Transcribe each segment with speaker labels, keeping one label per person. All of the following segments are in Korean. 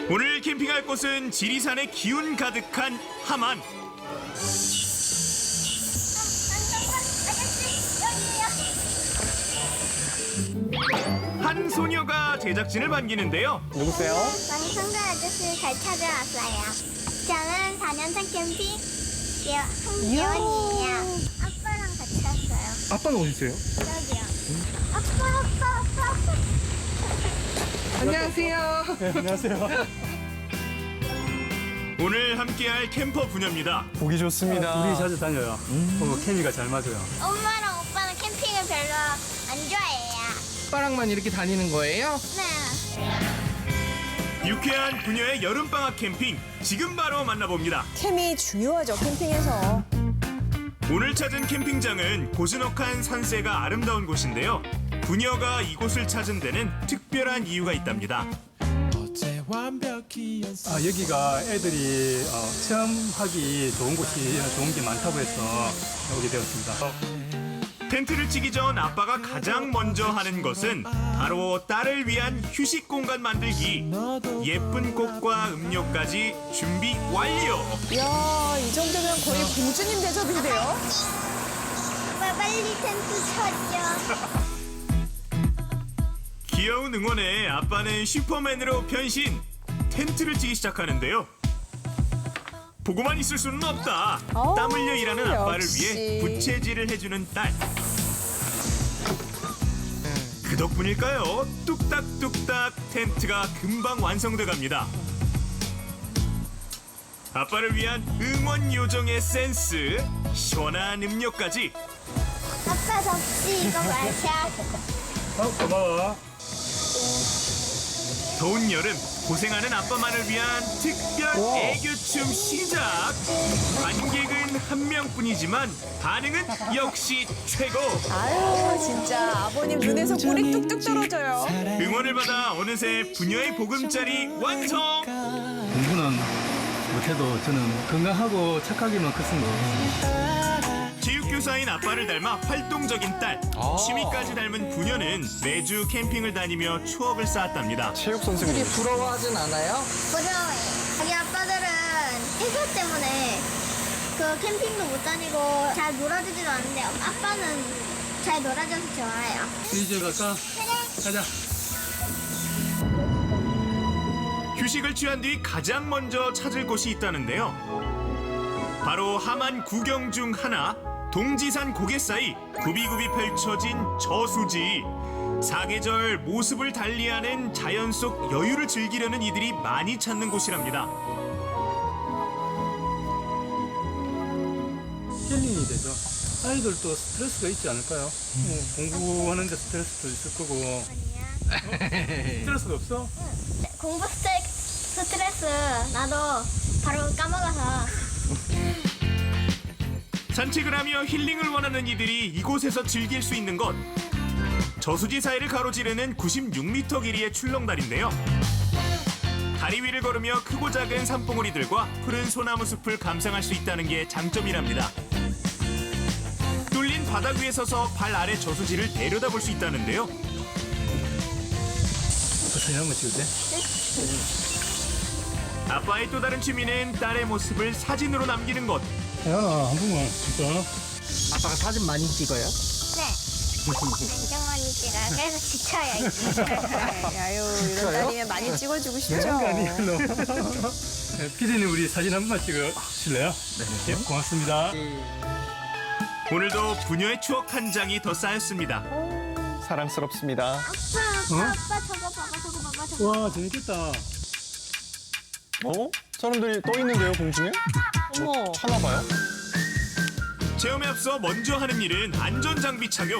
Speaker 1: 오늘 캠핑할 곳은 지리산의 기운 가득한 함안. 한 소녀가 제작진을 반기는데요.
Speaker 2: 누구세요?
Speaker 3: 왕성도 아저씨 잘 찾아왔어요. 저는 4년차 캠핑 한예원이에요. 아빠랑 같이 왔어요.
Speaker 2: 아빠는 어디세요?
Speaker 3: 여기요. 아빠.
Speaker 2: 안녕하세요. 네, 안녕하세요.
Speaker 1: 오늘 함께할 캠퍼 부녀입니다.
Speaker 2: 보기 좋습니다.
Speaker 4: 우리 자주 다녀요. 케미가 잘 맞아요.
Speaker 3: 엄마랑 오빠는 캠핑을 별로 안 좋아해요.
Speaker 5: 오빠랑만 이렇게 다니는 거예요?
Speaker 3: 네.
Speaker 1: 유쾌한 부녀의 여름방학 캠핑 지금 바로 만나봅니다.
Speaker 6: 캠이 중요하죠, 캠핑에서.
Speaker 1: 오늘 찾은 캠핑장은 고즈넉한 산세가 아름다운 곳인데요. 부녀가 이곳을 찾은 데는 특별한 이유가 있답니다.
Speaker 4: 여기가 애들이 체험하기 좋은 게 많다고 해서 오게 되었습니다.
Speaker 1: 텐트를 치기 전 아빠가 가장 먼저 하는 것은 바로 딸을 위한 휴식 공간 만들기. 예쁜 꽃과 음료까지 준비 완료.
Speaker 6: 이야, 이 정도면 거의 공주님 대접인데요?
Speaker 3: 오빠 빨리 텐트 쳐줘.
Speaker 1: 귀여운 응원에 아빠는 슈퍼맨으로 변신. 텐트를 치기 시작하는데요. 보고만 있을 수는 없다. 땀 흘려 일하는 아빠를
Speaker 6: 역시.
Speaker 1: 위해 부채질을 해주는 딸. 그 덕분일까요? 뚝딱뚝딱 텐트가 금방 완성돼 갑니다. 아빠를 위한 응원 요정의 센스, 시원한 음료까지.
Speaker 3: 아빠 접시 이거 마셔.
Speaker 4: 고마워.
Speaker 1: 더운 여름 고생하는 아빠만을 위한 특별 애교춤 시작. 관객은 한 명뿐이지만 반응은 역시 최고.
Speaker 6: 아유, 진짜 아버님 눈에서 꿀이 뚝뚝 떨어져요.
Speaker 1: 응원을 받아 어느새 부녀의 보금자리 완성.
Speaker 4: 공부는 못해도 저는 건강하고 착하기만 컸습니다.
Speaker 1: 체육교사인 아빠를 닮아 활동적인 딸. 취미까지 닮은 부녀는 매주 캠핑을 다니며 추억을 쌓았답니다.
Speaker 2: 체육 선생님.
Speaker 5: 부러워하진 않아요?
Speaker 3: 부러워해. 자기 아빠들은 회사 때문에 그 캠핑도 못 다니고 잘 놀아주지도 않는데 아빠는 잘 놀아줘서 좋아해요.
Speaker 4: 이제 갈까? 가자.
Speaker 1: 휴식을 취한 뒤 가장 먼저 찾을 곳이 있다는데요. 바로 함안 구경 중 하나, 동지산 고개 사이 굽이굽이 펼쳐진 저수지. 사계절 모습을 달리하는 자연 속 여유를 즐기려는 이들이 많이 찾는 곳이랍니다.
Speaker 4: 힐링이 되죠. 아이들도 스트레스가 있지 않을까요? 공부하는데 스트레스도 있을 거고.
Speaker 3: 아니야.
Speaker 4: 스트레스가 없어?
Speaker 3: 공부 스트레스 나도 바로 까먹어서.
Speaker 1: 산책을 하며 힐링을 원하는 이들이 이곳에서 즐길 수 있는 것. 저수지 사이를 가로지르는 96m 길이의 출렁다리인데요. 다리 위를 걸으며 크고 작은 산봉우리들과 푸른 소나무 숲을 감상할 수 있다는 게 장점이랍니다. 뚫린 바닥 위에 서서 발 아래 저수지를 내려다볼 수 있다는데요.
Speaker 4: 사진 한번 찍을 때?
Speaker 1: 아빠의 또 다른 취미는 딸의 모습을 사진으로 남기는 것.
Speaker 4: 야, 한 번만 찍자.
Speaker 5: 아빠가 사진 많이 찍어요?
Speaker 3: 네. 안경 많이 찍어요. 그래서 지쳐요.
Speaker 6: 아유, 이런 딸이면 많이 찍어주고 싶죠.
Speaker 4: 아니요. 피디님 우리 사진 한 번만 찍으실래요? 네. 고맙습니다.
Speaker 1: 오늘도 부녀의 추억 한 장이 더 쌓였습니다.
Speaker 2: 사랑스럽습니다.
Speaker 3: 아빠 저거 봐봐 저거.
Speaker 4: 와, 재밌겠다.
Speaker 2: 어? 사람들이 떠 있는데요, 공중에?
Speaker 6: 어머.
Speaker 2: 타나 봐요?
Speaker 1: 체험에 앞서 먼저 하는 일은 안전장비 착용.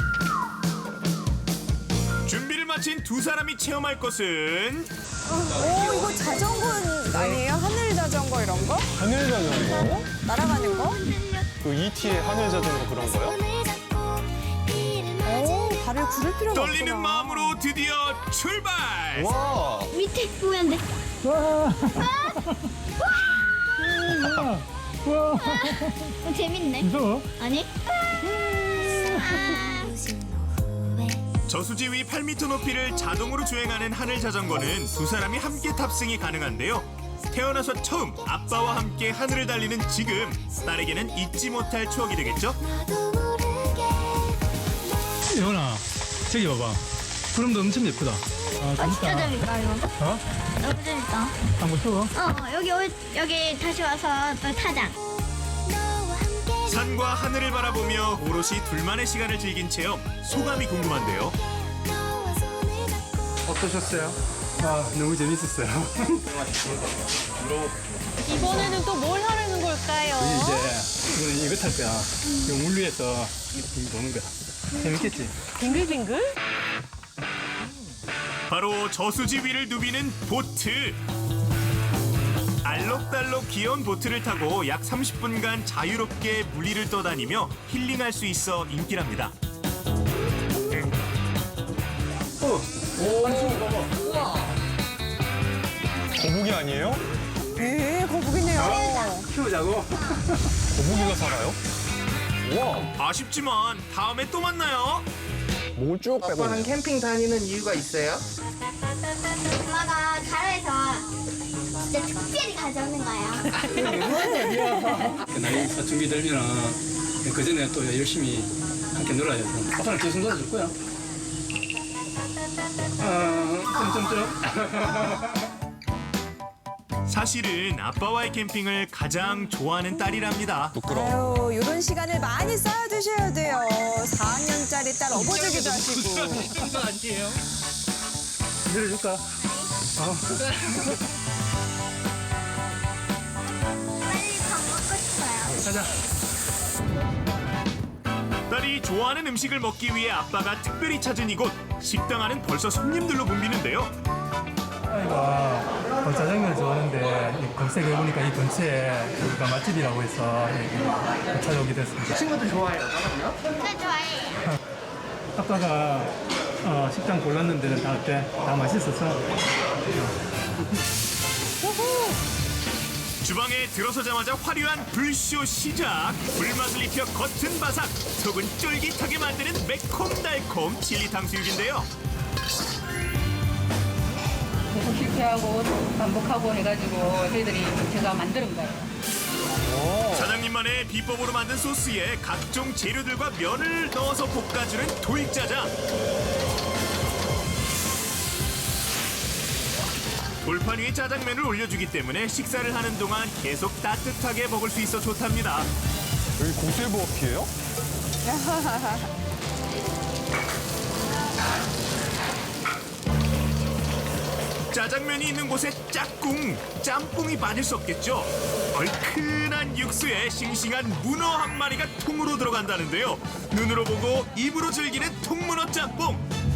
Speaker 1: 준비를 마친 두 사람이 체험할 것은
Speaker 6: 오, 이거 자전거 아니에요? 하늘 자전거 이런 거?
Speaker 2: 하늘 자전거?
Speaker 6: 날아가는 거?
Speaker 2: 그 ET의 하늘 자전거 그런 거요?
Speaker 6: 오, 발을 구를 필요가 없구나.
Speaker 1: 떨리는 마음으로 드디어 출발!
Speaker 2: 와!
Speaker 3: 밑에 보면 돼. 재밌네.
Speaker 4: 무서워?
Speaker 3: 아니?
Speaker 1: 저수지 위 8m 높이를 자동으로 주행하는 하늘 자전거는 두 사람이 함께 탑승이 가능한데요. 태어나서 처음 아빠와 함께 하늘을 달리는 지금 딸에게는 잊지 못할 추억이 되겠죠?
Speaker 4: 예원아, 저기 봐봐. 구름도 엄청 예쁘다. 아,
Speaker 3: 진짜 재밌다 이거.
Speaker 4: 어?
Speaker 3: 너무 재밌다.
Speaker 4: 한번 쉬어.
Speaker 3: 여기 다시 와서 또 타자.
Speaker 1: 산과 하늘을 바라보며 오롯이 둘만의 시간을 즐긴 체험, 소감이 궁금한데요.
Speaker 4: 어떠셨어요? 아, 너무 재밌었어요.
Speaker 6: 이번에는 또 뭘 하려는 걸까요?
Speaker 4: 이거는 이거 탈 거야. 이거 물 위에서 이렇게 노는 거야. 재밌겠지?
Speaker 6: 빙글빙글?
Speaker 1: 바로 저수지 위를 누비는 보트. 알록달록 귀여운 보트를 타고 약 30분간 자유롭게 물 위를 떠다니며 힐링할 수 있어 인기랍니다.
Speaker 2: 거북이 아니에요?
Speaker 6: 네, 거북이네요.
Speaker 4: 키우자고?
Speaker 2: 거북이가 살아요? 우와,
Speaker 1: 아쉽지만 다음에 또 만나요.
Speaker 2: 목을 쭉 빼고
Speaker 5: 아빠는
Speaker 2: 있네요.
Speaker 5: 캠핑 다니는 이유가 있어요?
Speaker 3: 엄마가 가로에서 진짜 특별히 가져오는 거예요.
Speaker 4: 나이 사춘기 들면은 그 전에 또 열심히 함께 놀아야죠. 아빠는 계속 놀아줄 거야.
Speaker 1: 사실은 아빠와의 캠핑을 가장 좋아하는 딸이랍니다.
Speaker 2: 부끄러워.
Speaker 6: 아유, 이런 시간을 많이 쌓아두셔야 돼요. 4학년짜리 딸 업어주기도 하시고.
Speaker 5: 그거 아니에요?
Speaker 4: 내려줄까?
Speaker 3: 빨리 밥 먹고 싶어요.
Speaker 4: 가자.
Speaker 1: 딸이 좋아하는 음식을 먹기 위해 아빠가 특별히 찾은 이곳. 식당 안은 벌써 손님들로 붐비는데요.
Speaker 4: 아이가 짜장면을 좋아하는데 검색해보니까 이 근처에 여기가 맛집이라고 해서 여기 찾아오게 됐습니다.
Speaker 5: 친구들 좋아해요, 그럼요?
Speaker 3: 네, 좋아해요.
Speaker 4: 아빠가 식당 골랐는 데는 다 어때? 다 맛있었어?
Speaker 1: 주방에 들어서자마자 화려한 불쇼 시작. 불맛을 입혀 겉은 바삭, 속은 쫄깃하게 만드는 매콤달콤 칠리 탕수육인데요.
Speaker 7: 계속 실패하고 반복하고 해가지고 저희들이 제가 만드는 거예요.
Speaker 1: 사장님만의 비법으로 만든 소스에 각종 재료들과 면을 넣어서 볶아주는 도익짜장. 돌판 위에 짜장면을 올려주기 때문에 식사를 하는 동안 계속 따뜻하게 먹을 수 있어 좋답니다.
Speaker 2: 여기 고수의 부엌이에요?
Speaker 1: 짜장면이 있는 곳에 짝꿍, 짬뽕이 빠질 수 없겠죠. 얼큰한 육수에 싱싱한 문어 한 마리가 통으로 들어간다는데요. 눈으로 보고 입으로 즐기는 통문어 짬뽕.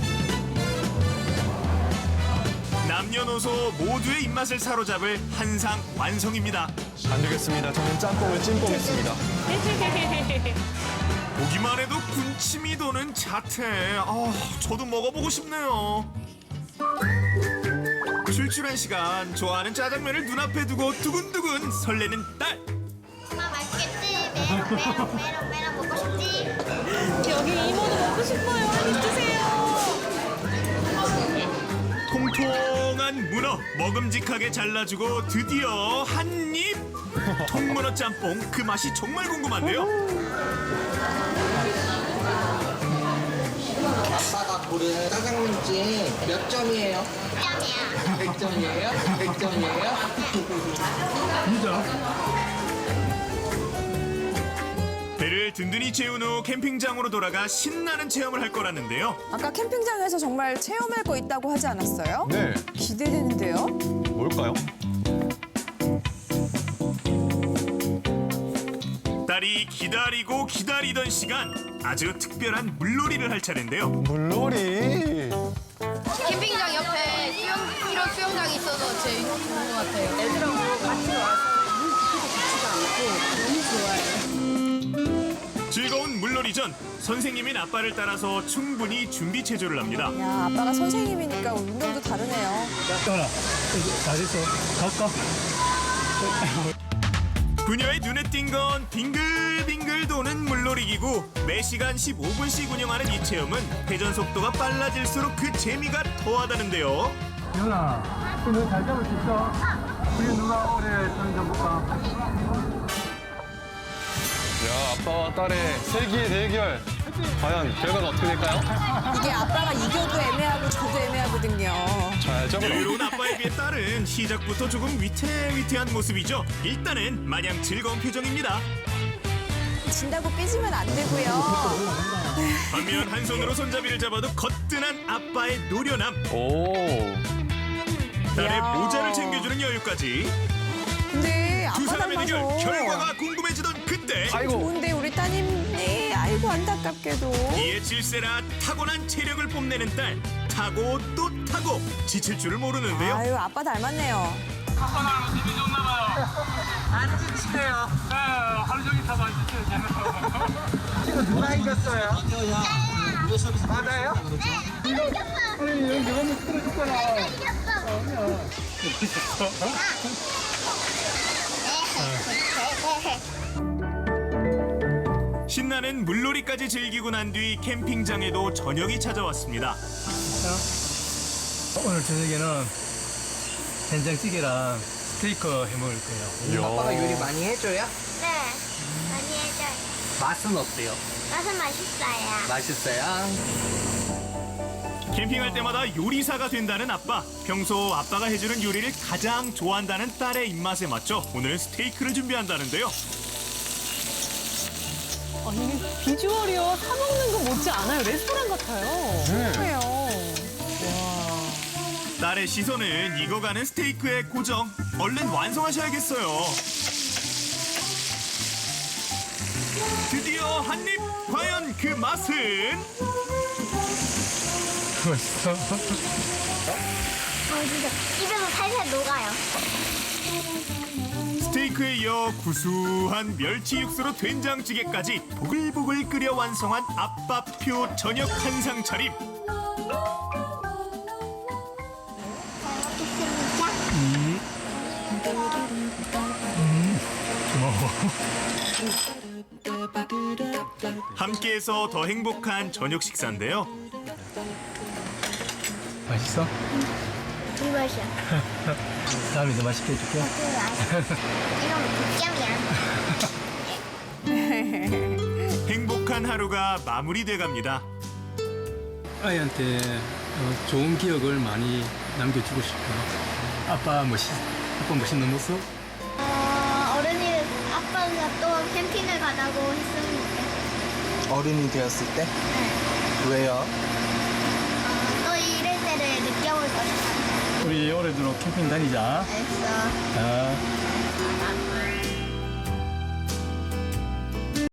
Speaker 1: 남녀노소 모두의 입맛을 사로잡을 한상 완성입니다.
Speaker 2: 안 되겠습니다. 저는 짬뽕을 찜뽕했습니다.
Speaker 1: 보기만 해도 군침이 도는 자태. 저도 먹어보고 싶네요. 출출한 시간, 좋아하는 짜장면을 눈앞에 두고 두근두근 설레는 딸.
Speaker 3: 엄마 맛있겠지? 메롱 먹고 싶지?
Speaker 6: 여기 이모도 먹고 싶어요. 한입 주세요.
Speaker 1: 통통한 문어 먹음직하게 잘라주고 드디어 한 입. 통문어 짬뽕, 그 맛이 정말 궁금한데요.
Speaker 5: 아빠가 고른 짜장면집 몇 점이에요?
Speaker 3: 짱이야.
Speaker 5: 100점이에요? 100점이에요?
Speaker 4: 진짜?
Speaker 1: 배를 든든히 채운 후 캠핑장으로 돌아가 신나는 체험을 할 거라는데요.
Speaker 6: 아까 캠핑장에서 정말 체험할 거 있다고 하지 않았어요?
Speaker 2: 네,
Speaker 6: 기대되는데요?
Speaker 2: 뭘까요?
Speaker 1: 딸이 기다리고 기다리던 시간, 아주 특별한 물놀이를 할 차례인데요.
Speaker 2: 물놀이.
Speaker 8: 캠핑장 옆에 이런 수영장이 있어서 제일 좋은 것 같아요. 애들하고 같이 와서 물 깊지가 않고 너무 좋아요.
Speaker 1: 즐거운 물놀이 전 선생님인 아빠를 따라서 충분히 준비 체조를 합니다.
Speaker 6: 야, 아빠가 선생님이니까 운동도 다르네요.
Speaker 4: 떠나. 다 됐어. 갈까?
Speaker 1: 부녀의 눈에 띈 건 빙글빙글 도는 물놀이기구. 매시간 15분씩 운영하는 이 체험은 회전 속도가 빨라질수록 그 재미가 더하다는데요.
Speaker 4: 연아, 너 잘 잡을 수 있어? 우리 누가 오래 타는지 한번 볼까?
Speaker 2: 야, 아빠와 딸의 세기의 대결. 과연 결과가 어떻게 될까요?
Speaker 6: 이게 아빠가 이겨도 애매하고 저도 애매하거든요.
Speaker 2: 자야죠, 그럼.
Speaker 1: 여유로운 아빠에 비해 딸은 시작부터 조금 위태위태한 모습이죠. 일단은 마냥 즐거운 표정입니다.
Speaker 6: 진다고 삐지면 안 되고요.
Speaker 1: 반면 한 손으로 손잡이를 잡아도 거뜬한 아빠의 노련함.
Speaker 2: 오.
Speaker 1: 딸의
Speaker 6: 이야.
Speaker 1: 모자를 챙겨주는 여유까지.
Speaker 6: 근데
Speaker 1: 두
Speaker 6: 아빠
Speaker 1: 사람의 대결
Speaker 6: 닮아서
Speaker 1: 결과가 궁금해지던 그때
Speaker 2: 아이고.
Speaker 6: 좋은데 우리 따님이 아이고 안타깝게도.
Speaker 1: 이에 질세라 타고난 체력을 뽐내는 딸. 타고 또 타고 지칠 줄을 모르는데요.
Speaker 6: 아유 아빠 닮았네요.
Speaker 4: 아빠 나랑 힘이 좋나 봐요. 안 지치네요. 네, 하루 종일 타도 안 지쳐요. 이거 누가 이겼어요? 맞아요? 아니, 여기 한번 틀어줬잖아.
Speaker 1: 신나는 물놀이까지 즐기고 난 뒤 캠핑장에도 저녁이 찾아왔습니다.
Speaker 4: 오늘 저녁에는 된장찌개랑 스테이크 해 먹을 거예요.
Speaker 5: 아빠가 요리 많이 해줘요?
Speaker 3: 네, 많이 해줘요.
Speaker 5: 맛은 어때요?
Speaker 3: 맛은 맛있어요.
Speaker 5: 맛있어요?
Speaker 1: 캠핑할 때마다 요리사가 된다는 아빠. 평소 아빠가 해주는 요리를 가장 좋아한다는 딸의 입맛에 맞춰 오늘은 스테이크를 준비한다는데요.
Speaker 9: 아니 비주얼이요 사 먹는 거 못지 않아요. 레스토랑 같아요.
Speaker 6: 그래요.
Speaker 1: 딸의 시선은 익어가는 스테이크에 고정. 얼른 완성하셔야겠어요. 드디어 한 입! 과연 그 맛은?
Speaker 4: 맛있어?
Speaker 3: 진짜 입에서 살살 녹아요.
Speaker 1: 스테이크에 이어 구수한 멸치 육수로 된장찌개까지 보글보글 끓여 완성한 아빠표 저녁 한상 차림. 함께해서 더 행복한 저녁 식사인데요.
Speaker 4: 맛있어?
Speaker 3: 이 맛이야.
Speaker 4: 다음에 더 맛있게 해줄게.
Speaker 3: 이건 북점이야.
Speaker 1: 행복한 하루가 마무리돼 갑니다.
Speaker 4: 아이한테 좋은 기억을 많이 남겨주고 싶어. 아빠 멋있는 모습?
Speaker 3: 어른이 아빠가 또 캠핑을 가자고 했으면 좋겠어.
Speaker 5: 어른이 되었을 때? 왜요?
Speaker 3: 또 이럴 때를 느껴볼 거야.
Speaker 4: 우리 올해도 캠핑 다니자.
Speaker 3: 알겠어.
Speaker 4: 아.